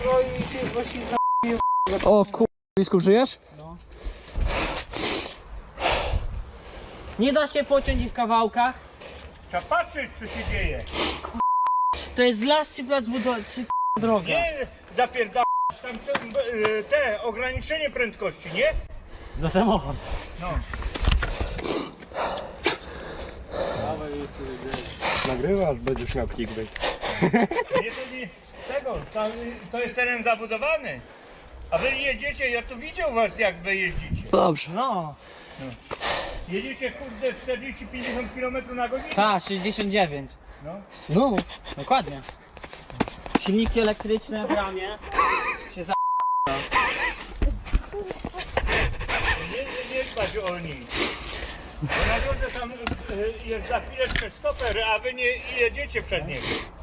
No i się właśnie O kur... Blisku, żyjesz? No. Nie da się pociąć i w kawałkach. Trzeba patrzeć, co się dzieje. To jest las czy plac budowy, czy droga? Nie zapierdalasz tam te ograniczenie prędkości, nie? Do samochodu. No. Nagrywasz, będziesz miał clickbait. Nie, to nie tego, to jest teren zabudowany. A wy jedziecie, ja tu widział was jak wy jeździcie. Dobrze. No. Jedziecie kurde 40-50 km na godzinę. Ta, 69. No. No. Dokładnie. Silniki elektryczne w ramie. Się za... Nie dbać o nich. Bo na drodze tam jest za chwileczkę stoper, a wy nie jedziecie przed niego.